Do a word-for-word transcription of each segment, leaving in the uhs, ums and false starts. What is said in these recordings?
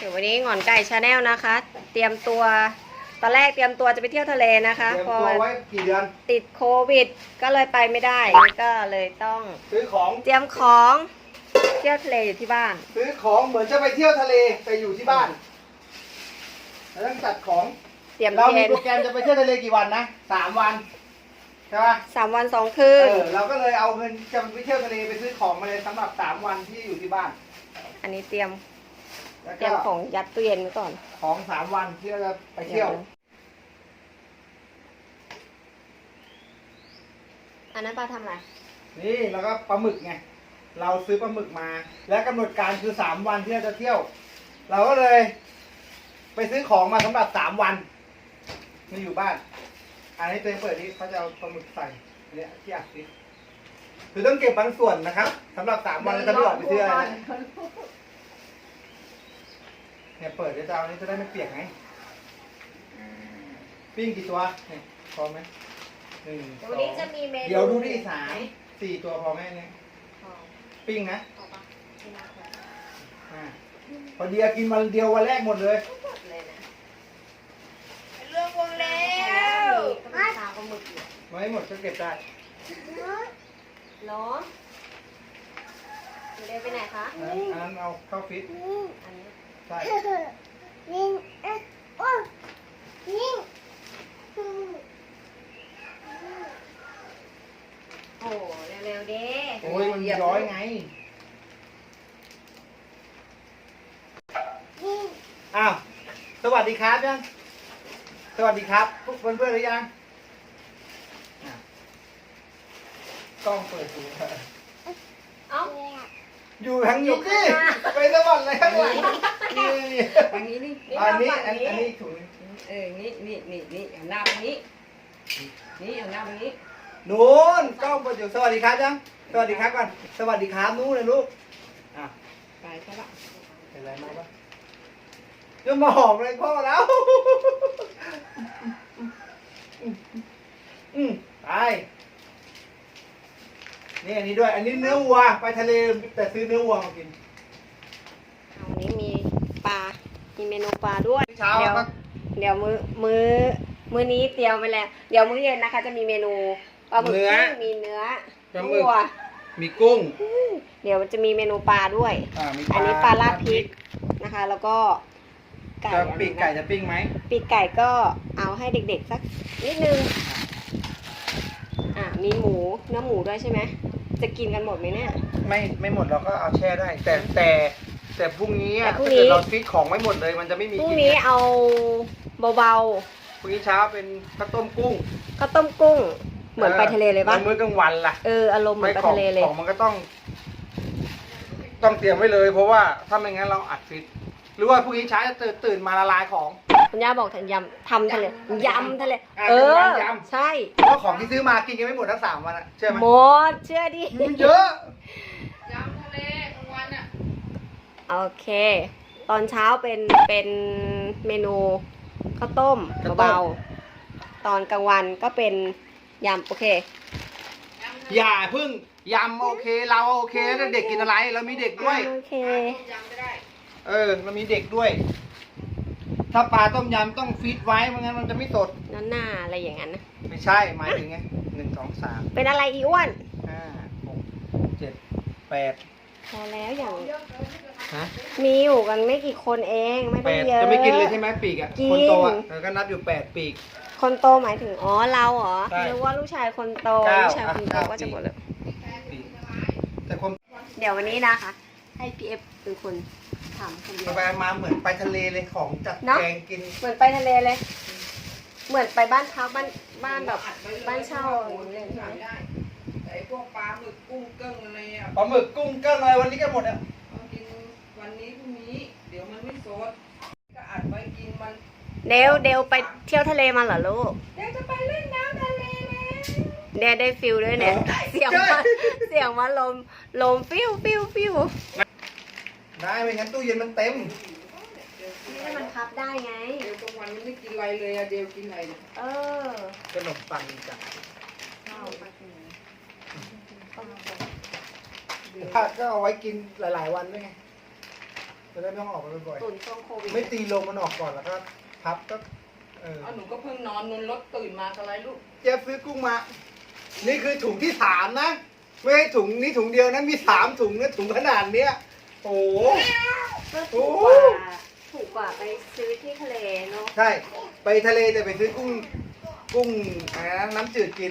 ดี๋ยววันนี้หงอนไก่ชาแนลนะคะ เตรียมตัวตอนแรกเตรียมตัวจะไปเที่ยวทะเลนะคะเตรียมพอตัวไว้กี่เดือนติดโควิดก็เลยไปไม่ได้ก็เลยต้องซื้อของเตรียมของเที่ยวทะเลอยู่ที่บ้านซื้อของเหมือนจะไปเที่ยวทะเลแต่อยู่ที่บ้านเราต้องจัดของเตรียมเราเทมีนโปรแกรมจะไปเที่ยวทะเลกี่วันนะสามวันใช่ปะสามวันสองคืเอน อเราก็เลยเอาเงินจะไปเที่ยวทะเลไปซื้อของมาเลยสำหรับสามวันที่อยู่ที่บ้านอันนี้เตรียมแล้วเตรีก็ยมของยัดตู้เย็นไว้ก่อนของสามวันที่เราจะไปเที่ยวอันนั้นปลาทำอะไรนี่แล้วก็ปลาหมึกไงเราซื้อปลาหมึกมา และกำหนดการคือสามวันที่เราจะเที่ยว เราก็เลย ไปซื้อของมาสำหรับสามวันมาอยู่บ้าน อันนี้เต็มเปิดนี้เขาจะเอาปลาหมึกใส่เนี่ยที่อัดนี่คือต้องเก็บบางส่วนนะครับสำหรับสามวันเราจะไม่ออกไปซื้ออะไรนะเนี่ยเปิดเดี๋ยวจะเอาอันนี้จะได้ไม่เปียกไงปิ้งกี่ตัวเนี่ยพอไหมหนึ่งสองวันนี้จะมีเมนูเดี๋ยวดูดิสามสี่ตัวพอไหมเนี่ยพอปิ้งนะพอปะไม่น่าพออ่าพอดีกินวันเดียววันแรกหมดเลยหมดเลยนะเรื่องวงแล้วก็เป็นปลาปลาหมึกอยู่ไม่หมดก็เก็บได้เหรอเดี๋ยวไปไหนคะอันนั้นอันนั้นเอาเข้าฟิตอันนี้ใช่นิ่งเอ๊ะโอ้นิ่งโอ้เร็วๆดิโอ้ยมันย้อยไงนิ่งอ้าวสวัสดีครับยังสวัสดีครับพวกเพื่อนๆหรือยังอ่ะกล้องเปิดอยู่เอ้าอยู่ทางนี้ดิไปสวรรค์เลยข้างหลังนี่นี่อันนี้นี่อันนี้อันอันนี้ถุงเออนี่นี่นี่นี่เอาหน้าไปนี้นี่เอาหน้าไปนี้นู้นกล้องเปิดอยู่สวัสดีครับยังสวัสดีครับก่อนสวัสดีครับนู้นเลยลูกอ่ะไปใช่ปะเป็นไรมาปะจะมาหอมอะไรพ่อแล้วอืมไปนี่อันนี้ด้วย อันนี้เนื้อวัวไปทะเลแต่ซื้อเนื้อวัวมากินเอาวันนี้มีปลา มีเมนูปลาด้วยเช้าเดี๋ยวก็เดี๋ยวมื้อมื้อมื้อนี้เตรียมไปแล้ว เดี๋ยวมื้อเย็นนะคะ จะมีเมนูปลาหมึกที่มีเนื้อวัวมีกุ้งเดี๋ยวจะมีเมนูปลาด้วยอ่ามีอันนี้ปลาราดพริกนะคะ แล้วก็ไก่จะปีกไก่จะปิ้งไหมปีกไก่ก็เอาให้เด็กๆสักนิดนึง อ่ามีหมูเนื้อหมูด้วยใช่ไหม จะกินกันหมดไหมเนี่ยไม่ไม่หมดเราก็เอาแช่ได้ แต่แต่แต่พรุ่งนี้อะแต่พรุ่ถ้างนี้เกิดเราฟิตของไม่หมดเลย มันจะไม่มีพรุ่งกินนี้ไงเอาเบาพรุ่งนี้เช้าเป็นข้าวต้มกุ้งๆข้าวต้มกุ้ง เหมือนไปทะเลเลยปะแล้วมื้อกลางวันล่ะเอออารมณ์เหมือนไปของทะเลเลยของมันก็ต้อง ต้องเตรียมไว้เลย เพราะว่าถ้าไม่งั้นเราอัดฟิต หรือว่าพรุ่งนี้เช้าจะตื่นตื่นมาละลายของคุณย่าบอกทำยำทำทะเลยำทะเลอ่ะเออยำใช่เพราะของที่ซื้อมากินกันไม่หมดทั้งสามวันอะเชื่อไหมหมดเชื่อดิมันเยอะยำทะเลกลางวันอ่ะโอเค ตอนเช้าเป็นเป็นเมนูข้าวต้มเบาๆตอนกลางวันก็เป็นยำโอเคอย่าเพึ่งยำโอเค เราโอเคแล้วเด็กกินอะไรเรามีเด็กด้วยโอเคยำก็ได้เออเรามีเด็กด้วย ถ้าปลาต้มยำต้องฟีดไว้ไม่งั้นมันจะไม่สดนั่นหน้าอะไรอย่างนั้นนะไม่ใช่หมายถึงไงหนึ่งสองสามเป็นอะไรอีอ้วนห้าหกเจ็ดแปดพอแล้วอย่างฮะมีอยู่กันไม่กี่คนเองไม่แปต้องดเยอะจะไม่กินเลยใช่ไหมปีกอ่ะกินคนโตอ่ะเออก็นับอยู่แปดปีกคนโตหมายถึงอ๋อเราเหรอใช่หรือว่าลูกชายคนโตเก้าลูกชายคนโตอ่ะก็จะเก้าหมดเลยปีกแต่คนเดี๋ยววันนี้นะคะ ให้พีเอฟเป็นคนทำคนเดียวไปมาเหมือนไปทะเลเลยของจัดเนอะแกงกินเหมือนไปทะเลเลย เหมือนไปบ้านพักบ้านบ้านแบบบ้านเช่าอย่างนี้เลยใช่ไหมได้แต่ไอ้พวกปลาหมึกกุ้งเกิ้งอะไรอ่ะปลาหมึกกุ้งเกิ้งอะไรวันนี้ก็หมดอ่ะเอากินวันนี้พรุ่งนี้ เดี๋ยวมันไม่สดก็อัดไว้กินมันเดวเดวไปเที่ยวทะเลมาเหรอลูกเดี๋ยวจะไปเล่นน้ำทะเลแล้วเดวได้ฟิลด้วยเนี่ย เสียงมาเสียงมาลมลมฟิวฟิวฟิวได้ไม่งั้นตู้เย็นมันเต็มนี่ให้มันพับได้ไงเดี๋ยวกลางวันมันไม่กินอะไรเลยอะเดี๋ยวกินอะไรเนี่ยเออขนมปังจ้ะเข้ามาถึงถ้าก็เอาไว้กินหลาย ๆ วันด้วยไงจะได้ไม่ต้องออกไปบ่อยตุนช่วงโควิดๆไม่ตีลมมันออกก่อนแล้วก็พับก็เออเอาหนูก็เพิ่งนอนนนรถตื่นมาอะไรลูกเจ๊ซื้อกุ้งมา นี่คือถุงที่สามนะไม่ใช่ถุงนี้ถุงเดียวนะมีสามถุงนะถุงขนาดเนี้ยโอ้โหก็ถูกกว่าถูกกว่าไปซื้อที่ทะเลเนาะใช่ ไปทะเลแต่ไปซื้อกุ้งกุ้งอะไรนะน้ำจืดกิน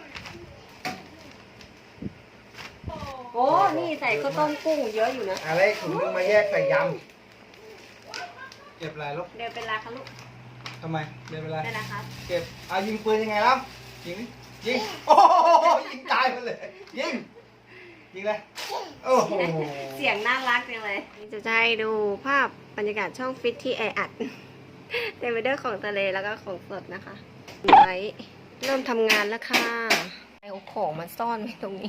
โอ้นี่ใส่ข้าวต้มกุ้งเยอะอยู่นะอะไรถุงนึงมาแยกใส่ยำเก็บอะไรลูกเดินเป็นราคาลูกทำไมเดินไปไรได้นะคะเก็บเอายิงปืนยังไงล่ะยิงดิยิงโอ้โหยิงตายไปเลยยิงยิงเลยโอ้โหเสียงน่ารักจังเลย จะให้ดูภาพบรรยากาศช่องฟิตที่แออัด เต็มไปด้วยของทะเลแล้วก็ของสดนะคะไว้เริ่มทำงานแล้วค่ะเอาของมาซ่อนไว้ตรงนี้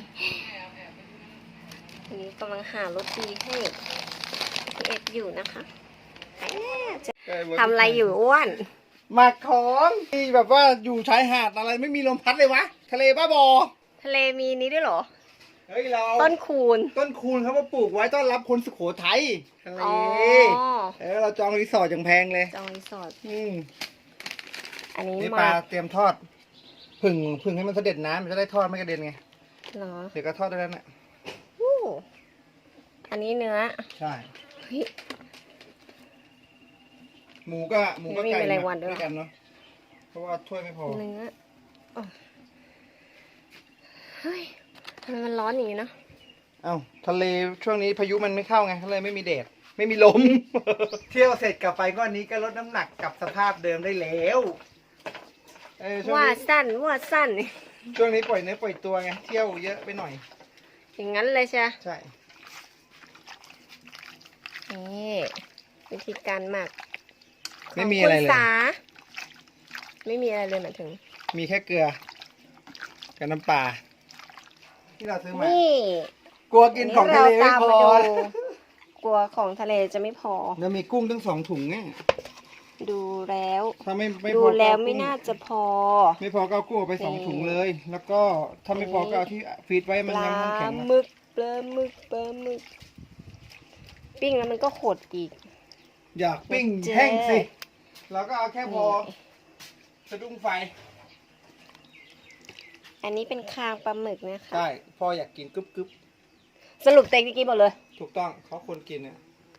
อันนี้กำลังหารถดีให้พี่เอ็ดอยู่นะคะแอบจะทำอะไรอยู่อ้วนหมักของที่แบบว่าอยู่ชายหาดอะไรไม่มีลมพัดเลยวะทะเลบ้าบอทะเลมีนี้ด้วยเหรอเฮ้ยเราต้นคูณต้นคูณเขามาปลูกไว้ต้อนรับคนสุโขทัยทะเลอ๋อเออเราจองรีสอร์ทอย่างแพงเลยจองรีสอร์ทอืมอันนี้นี่ปมาลาเตรียมทอดผึ่งผึ่งให้มันเสด็จน้ำมันจะได้ทอดไม่กระเด็นไงเหรอเดี๋ยวก็ทอดได้แล้วน่ะอู้อันนี้เนื้อใช่เฮ้ยหมูก็หมูก็ไม่มีไก่แมลงวันด้วยด้วยกันเนาะเพราะว่าถ้วยไม่พอเนื้ออ๋อเฮ้ยทำไมมันร้อนอย่างนี้เนอะเอ้าทะเลช่วงนี้พายุมันไม่เข้าไงทะเลไม่มีแดดไม่มีลม เที่ยวเสร็จกลับไปก้อนนี้ก็ลดน้ำหนักกลับสภาพเดิมได้แล้วเออช่วงว่านี้สั้นว่าสั้นช่วงนี้ปล่อยเนื้อปล่อยตัวไงเที่ยวเยอะไปหน่อยอย่างนั้นเลยใช่ไหมใช่นี่วิธีการหมักไม่มีอะไรเลยขงคุณสาไม่มีอะไรเลยหมายถึงมีแค่เกลือกับน้ำปลาที่เราซื้อมานี่กลัวกินของทะเลไม่พอเราตามมาดูกลัวของทะเลจะไม่พอแล้วมีกุ้งตั้งสองถุงไงดูแล้วถ้าไม่ไม่ดูพอก็แล้วเอไม่กุ้งน่าจะพอไม่พอก็เอากุ้งออกไปสองถุงเลย แล้วก็ถ้าไม่พอก็เอาที่ฟีดไว้ปมันลายังน้ำแข็งหอะมึกปลาหมึกปลาหมึก ปิ้งแล้วมันก็ขดอีกอยากปิ้งเจ๊แห้งสิเราก็เอาแค่พอสะดุ้งไฟอันนี้เป็นคางปลาหมึกนะคะใช่พ่ออยากกินกึบกึบสรุปเต็งกี่หมดเลยถูกต้องเขาควรกินเนี่ย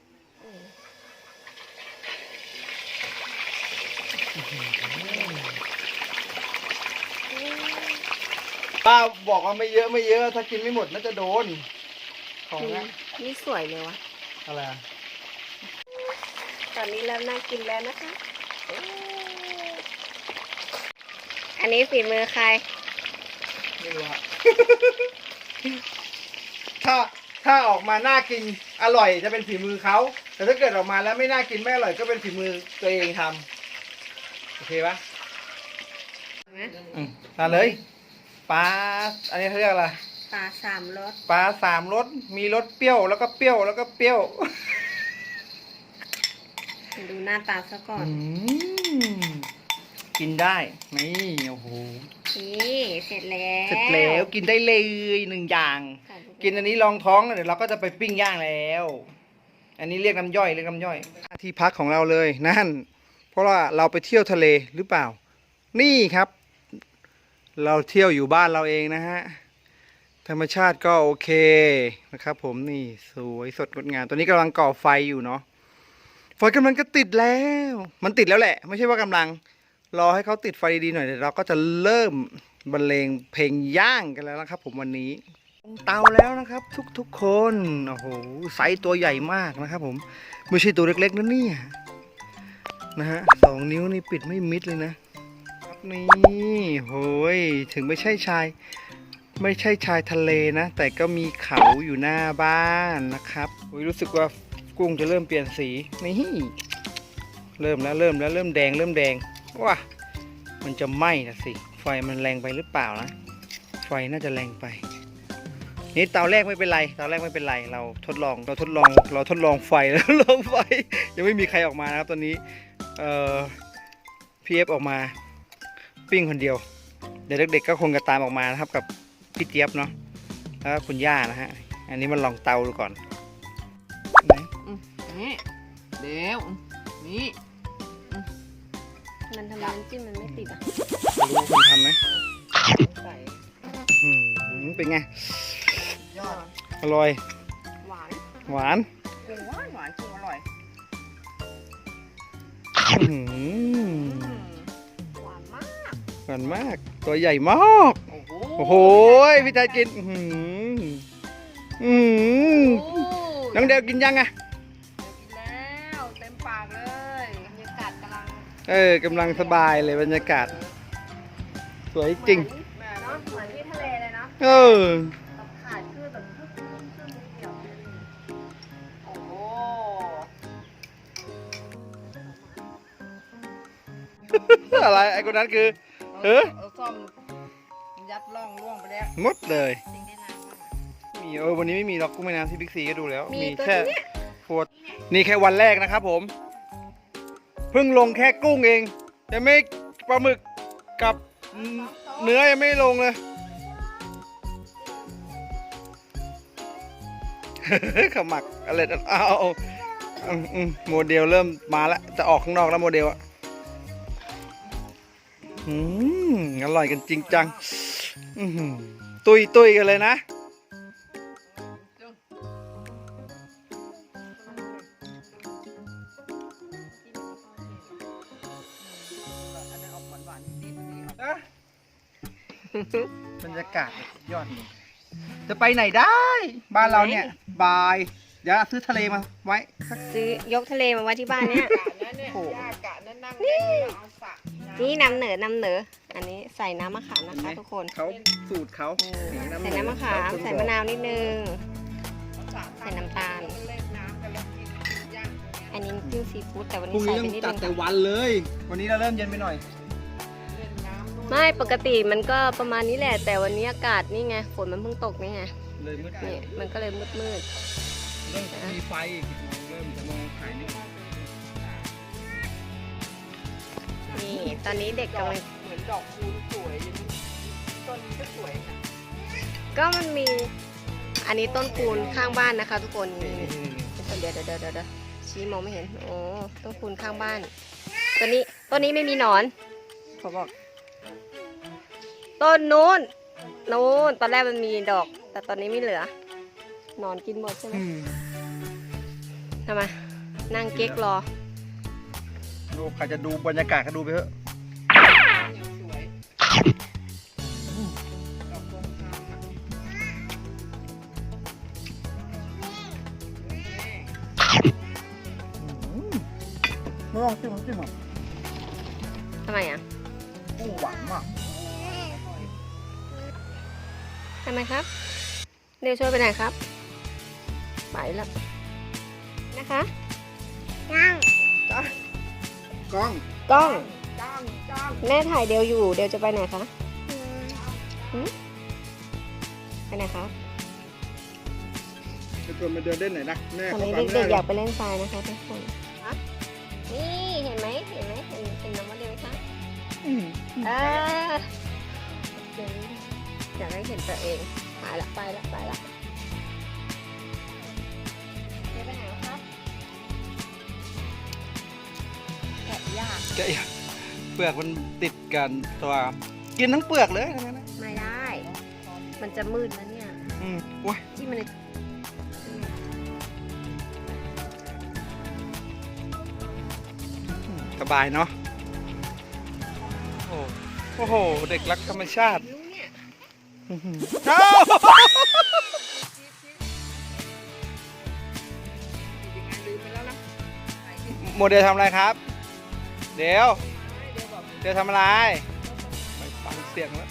ป้าบอกว่าไม่เยอะไม่เยอะ ถ้ากินไม่หมดน่าจะโดน ของนะนี่สวยเลยวะอะไรอะตอนนี้เริ่มน่ากินแล้วนะคะ อันนี้ฝีมือใครไม่รู้อะ ถ้าถ้าออกมาน่ากินอร่อยจะเป็นฝีมือเขาแต่ถ้าเกิดออกมาแล้วไม่น่ากินไม่อร่อยก็เป็นฝีมือตัวเองทำโอเคปะอืมมาเลยปลาอันนี้เขาเรียกอะไรปลาสามรสปลาสามรสมีรสเปรี้ยวแล้วก็เปรี้ยวแล้วก็เปรี้ยวดูหน้าตาซะก่อนอืมกินได้นี่โอ้โหนี่เสร็จแล้วเสร็จแล้วกินได้เลยหนึ่งอย่าง กินอันนี้รองท้องเดี๋ยวเราก็จะไปปิ้งย่างแล้ว อันนี้เรียกน้ำย่อยเรียกน้ำย่อย ที่พักของเราเลยนั่น เพราะว่าเราไปเที่ยวทะเลหรือเปล่า นี่ครับ เราเที่ยวอยู่บ้านเราเองนะฮะ ธรรมชาติก็โอเคนะครับ ผมนี่สวยสดงดงามตอนนี้กำลังก่อไฟอยู่เนาะ ไฟกำลังจะติดแล้ว มันติดแล้วแหละ ไม่ใช่ว่ากำลัง รอให้เขาติดไฟดีๆหน่อยเดี๋ยวเราก็จะเริ่มบรรเลงเพลงย่างกันแล้วนะครับ ผมวันนี้เตาแล้วนะครับ ทุกๆคนโอ้โหไซส์ตัวใหญ่มากนะครับ ผมไม่ใช่ตัวเล็กๆนะเนี่ยนะฮะสองนิ้วนี่ปิดไม่มิดเลยนะครับนี่โหยถึงไม่ใช่ชาย ไม่ใช่ชายทะเลนะ แต่ก็มีเขาอยู่หน้าบ้านนะครับโอ้ยรู้สึกว่ากุ้งจะเริ่มเปลี่ยนสีนี่เริ่มแล้วเริ่มแล้วเริ่มแดงเริ่มแดงว้ามันจะไหม้นะสิไฟมันแรงไปหรือเปล่านะไฟน่าจะแรงไปนี่เตาแรกไม่เป็นไรเตาแรกไม่เป็นไรเราทดลองเราทดลองเราทดลองไฟแล้วลองไฟยังไม่มีใครออกมานะครับตอนนี้เอ่อพีเอฟออกมาปิ้งคนเดียวเดี๋ยวเด็กๆก็คงจะตามออกมานะครับกับพี่เจี๊ยบเนาะแล้วก็คุณย่านะฮะอันนี้มันลองเตาดูก่อนไหนนี่เดี๋ยวนี่มันทำไมน้ำจิ้มมันไม่ติดอ่ะรู้คนทำไหมใส่อืมเป็นไงยอดอร่อยหวานหวานกุ้งหวานหวานกุ้งอร่อยอื้อหืออืมหวานมากหวานมาก ตัวใหญ่มากโอ้โหโอ้โหพี่ชายกิน อื้อหืออื้อหือโอ้น้องเดวกินยังอะกินแล้วเต็มปากเลยบรรยากาศกำลังเออกำลังสบายเลยบรรยากาศ สวยจริงแม่เนาะเหมือนที่ทะเลเลยเนาะเออแบบขาดคือแบบครึ่งครึ่งครึ่งเดียวโอ้โหอะไรไอ้คนนั้นคือ เฮ้ยเอาซ่อมยัดร่องร่วงไปแล้วหมดเลยจริงได้นานมากมีเออวันนี้ไม่มีหรอกกุ้งแม่น้ำที่บิ๊กซีก็ดูแล้วมีมีตัวแค่เนี้ยโฟดนี่แค่วันแรกนะครับผม เพิ่งลงแค่กุ้งเองยังไม่ปลาหมึกกับเนื้อยังไม่ลงเลย ขมักอะไรนะเอาเอาอืมอืมโมเดลเริ่มมาแล้วจะออกข้างนอกแล้วโมเดลอะอืมอร่อยกันจริงจังอื้อหือตุยตุยกันเลยนะอันนั้นออกหวานๆนิดๆนี่ออกนะบรรยากาศยอดเลยจะไปไหนได้ บ้านเราเนี่ยบาย เดี๋ยวซื้อทะเลมาไว้ซื้อยกทะเลมาไว้ที่บ้านเนี่ยกะนั่นเนี่ยย่ากะนั่นนั่งเล่นแล้วเอาสระำนี่นำเหนือนำเหนือ อันนี้ใส่น้ำมะขามนะคะทุกคนเขาสูตรเขาอืมใส่น้ำมะขามใส่มะนาวนิดนึง ใส่น้ำตาลเล่นน้ำกันแล้วกินย่างตรงเนี้ยอันนี้น้ำจิ้มซีฟู้ดแต่วันพรุ่นี้งใส่นี้ไปต้องนิดจันึดงแต่วันเลย วันนี้เราเริ่มเย็นไปหน่อยเล่นน้ำด้วยไม่ปกติมันก็ประมาณนี้แหละ แต่วันนี้อากาศนี่ไงฝนมันเพิ่งตกนี่ไงเลยมืดนี่มันก็เลยมืดมืดเริ่มมีไฟอีกเริ่มจะมองขายนี่ๆนี่ตอนนี้เด็กดอกกำลังเหมือนดอกคูณสวยอย่างนี้ต้นนี้ก็สวยค่ะก็มันมี อันนี้ต้นคูณข้างบ้านนะคะ ทุกคนนี่เดี๋ยวเดี๋ยวเดี๋ยวเดี๋ยวชี้มองไม่เห็นโอ้ต้นคูณข้างบ้านตัวนี้ต้นนี้ไม่มีหนอนเขาบอก ต้นนู้นนู้นตอนแรกมันมีดอก แต่ตอนนี้ไม่เหลือหนอนกินหมดใช่ไหมอืมทำไมนั่งเก๊กรอดูใครจะดูบรรยากาศก็ดูไปเถอะยังสวยดอกบัวขาวนะนี่ไม่ลองจิ้มน้ำจิ้มอ่ะทำไมอ่ะกุ้งหวานมากทำไมครับเดี๋ยวช่วยไปไหนครับไปแล้วนะคะนั่งจ้างกล้องกล้องจ้างจ้างแม่ถ่ายเดียวอยู่เดียวจะไปไหนคะหืมไปไหนคะจะชวนมาเดินเล่นไหนอยนะแม่ตอนเขานี้ฟังเด็กๆไม่อได้ยากไปเล่นทรายนะคะทุกคนนี่เห็นไหมเห็นไหมเห็นเห็นน้องโมเดลไหมคะอืมเออเดี๋ยวอยากให้เห็นตัวเองหายละไปละไปละเดี๋ยวไปไหนวะครับแกะยากแกะอย่าเปลือกมันติดกันตัว กินทั้งเปลือกเลยทั้งนั้นนะไม่ได้ มันจะมืดแล้วเนี่ยอืมโอ้ยที่มันสบายเนาะโอ้โอ้โห เด็กรักธรรมชาติรู้เนี่ยอื้อหือเอ้ายังไงลืมไปแล้วนะไหนที่โมเดลทำอะไรครับ เดี๋ยวเดี๋ยวบอกเดี๋ยวทำอะไรไม่ฟังเสียงแล้ว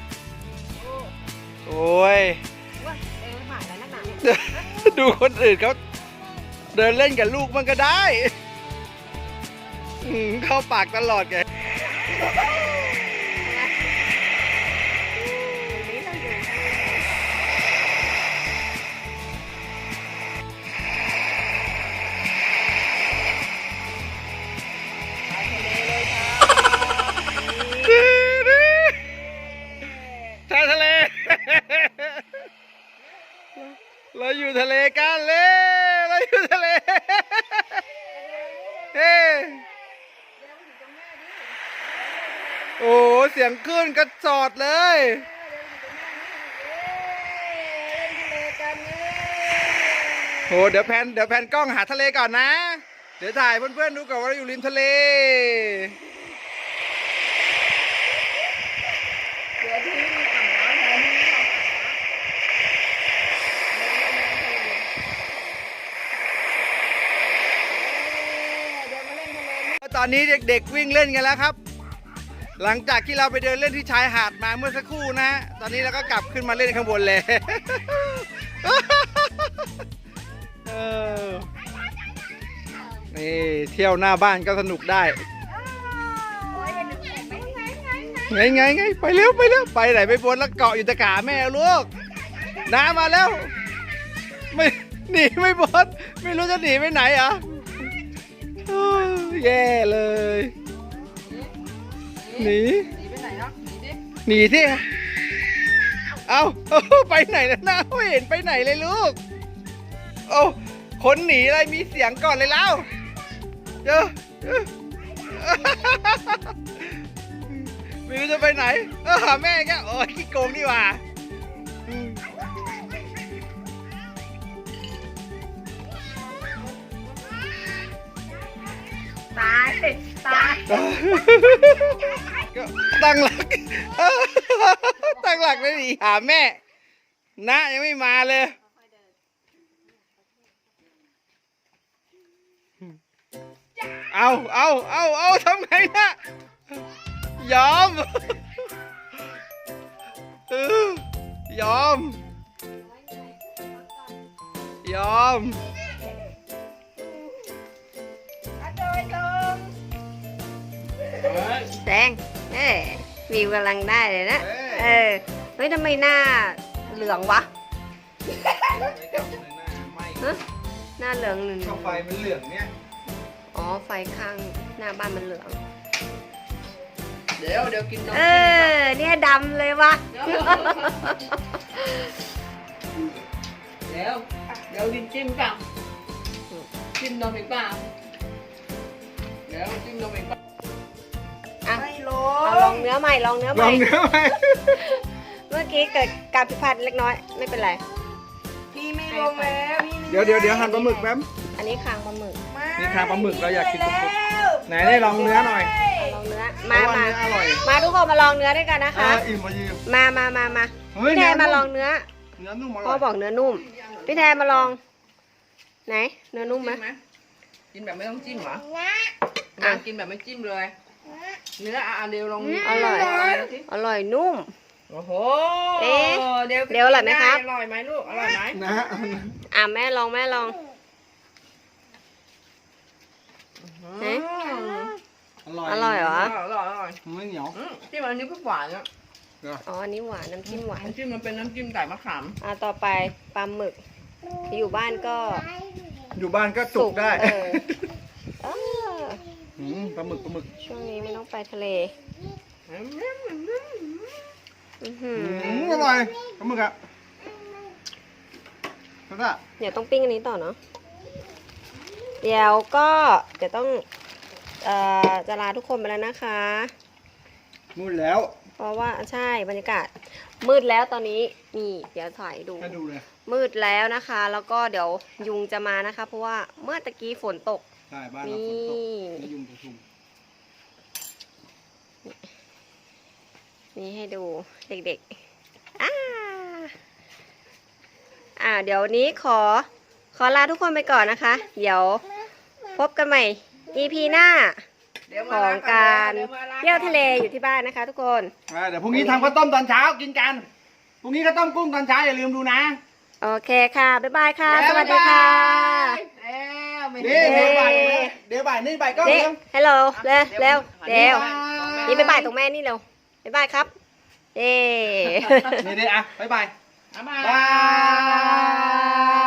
โอ้ยว่าเองผ่านแล้วนักหนาเนี่ยดูคนอื่นเขาเดินเล่นกับลูกมันก็ได้อืมเข้าปากตลอดไงทะเลเลยค่ะชายทะเล เราอยู่ทะเลกันเลยเราอยู่ทะเลโอ้เสียงคลื่นกระจอดเลย โหเดี๋ยวแพนเดี๋ยวแพนกล้องหาทะเลก่อนนะ เดี๋ยวถ่ายเพื่อนๆดูก่อนว่าเราอยู่ริมทะเลเดี๋ยวที่มีอ่างน้ำแทนที่เราอ่างน้ำตอนนี้เด็กๆวิ่งเล่นกันแล้วครับ หลังจากที่เราไปเดินเล่นที่ชายหาดมาเมื่อสักครู่นะฮะตอนนี้เราก็กลับขึ้นมาเล่นข้างบนเลย เออนี่เที่ยวหน้าบ้านก็สนุกได้ไงไงไงไปเร็วไปเร็วไปไหนไปบนแล้วเกาะอยู่ตะขาแม่ลูกน้ามาแล้วไม่หนีไม่บนไม่รู้จะหนีไปไหนอ่ะโอ้ยแย่เลยหนีหนีไปไหนเนาะหนีดิหนีที่เอาเอาไปไหนแล้วน้าไม่เห็นไปไหนเลยลูกเอาคนหนีอะไรมีเสียงก่อนเลยแล้วเจอเจอไม่รู้จะไปไหนเออหาแม่แกโอ้ยขี้โกงนี่หว่าอืมตายตายก็ตั้งหลักเออตั้งหลักเลยดิหาแม่นะยังไม่มาเลยเอาเอาเอาเอาทำไงนะยอมเออยอมยอมแดงเอ้ยวิวกำลังได้เลยนะ เออ เฮ้ยทำไมหน้าเหลืองวะฮะหน้าเหลืองหนึ่งช่องไฟมันเหลืองเนี่ยอ๋อ ไฟข้างหน้าบ้านมันเหลืองเดี๋ยวเดี๋ยวกินนมเออ เนี่ยดำเลยวะเดี๋ยวเดี๋ยวเดี๋ยวดินจิ้มเปล่าจิ้มนมอีกเปล่าเดี๋ยวจิ้มนมอีกเปล่าอ่ะไม่ลเอาลองเนื้อใหม่ ลองเนื้อใหลม่องเนื้อไหมเมื่อกี้เกิดการผิดพลาดเล็กน้อย ไม่เป็นไรพี่ไม่ลงแล้วพี่ไม่เดี๋ยวเดี๋ยวเดี๋ยวหั่นปลาหมึกแป๊บอันนี้คางปลาหมึกนี่คางปลาหมึกเราอยากกินสุกๆไหนได้ลองเนื้อหน่อยลองเนื้อ มาเพระว่มาเนื้ออร่อยมาทุกคนมาลองเนื้อด้วยกันนะเอคะออิ่มพอดีมามามามาเฮ้ยพี่แทนเนื้มาอนุ่มลองเนื้อเนื้อนุ่มอพ่ร่ออยบอกเนื้อนุ่ม พี่แทนมาลอง ไหน เนื้อนุ่มไหมจิ้มไหมกินแบบไม่ต้องจิ้มเหรออ่ะอ่ะกินแบบไม่จิ้มเลย เนื้ออ่ะเดี๋ยวลองอร่อย อร่อยนุ่มโอ้โหเอ๊ะเดี๋ยวเดี๋ยวอร่อยไหมครับอร่อยไหมลูกอร่อยไหมนะฮะอ่ะแม่ลองแม่ลอง เอ๊ะอร่อยอร่อยเหรออร่อยอร่อยไม่เหนียวอืมจิ้มอันนี้ก็หวานอ่ะอ๋อ อันนี้หวาน น้ำจิ้มหวานน้ำจิ้มมันเป็นน้ำจิ้มไก่มะขามอ่ะต่อไปปลาหมึก อยู่บ้านก็อยู่บ้านก็สุกได้เออเอออืมปลาหมึกปลาหมึกช่วงนี้ไม่ต้องไปทะเล อื้อหือือมอร่อยปลาหมึกอะแล้วก็เดี๋ยวต้องปิ้งอันนี้ต่อเนาะ เดี๋ยวก็เดี๋ยวต้อง เอ่อ จะลาทุกคนไปแล้วนะคะนู่นแล้วเพราะว่าใช่บรรยากาศ มืดแล้วตอนนี้นี่เดี๋ยวถ่ายดูให้ดูเลยมืดแล้วนะคะ แล้วก็เดี๋ยวยุงจะมานะคะ เพราะว่าเมื่อตะกี้ฝนตกใช่บ้านเราฝนตกนี่ไม่ยุงประชุมนี่ให้ดูเด็กๆ อ่า อ่า เดี๋ยวนี้ขอ ขอลาทุกคนไปก่อนนะคะ เดี๋ยวพบกันใหม่ อี พี หน้าเดี๋ยวขมาองล้นการดี๋วมาล้งเที่ยวทะเลอยู่ที่บ้านนะคะ ทุกคนอ่าเดี๋ยวพรุ่งนี้ทำข้าวต้มตอนเช้ากินกันพรุ่งนี้ข้าวต้มกุ้งตอนเช้าอย่าลืมดูนะโอเคค่ะ บ๊ายบายค่ะ สวัสดีค่ะแล้วไม่นี่ได้เดี๋ยวบ่ายเดี๋ยวบ่ายนี่บ่ายก็นี่เร็วฮัลโหลเร็วเร็วเร็วบ๊ายบายนี่บ๊ายบายตรงแม่นี่เร็วบ๊ายบายครับ เย้นี่เดี๋ยวอ่ะบ๊ายบายบ๊ายบายบาย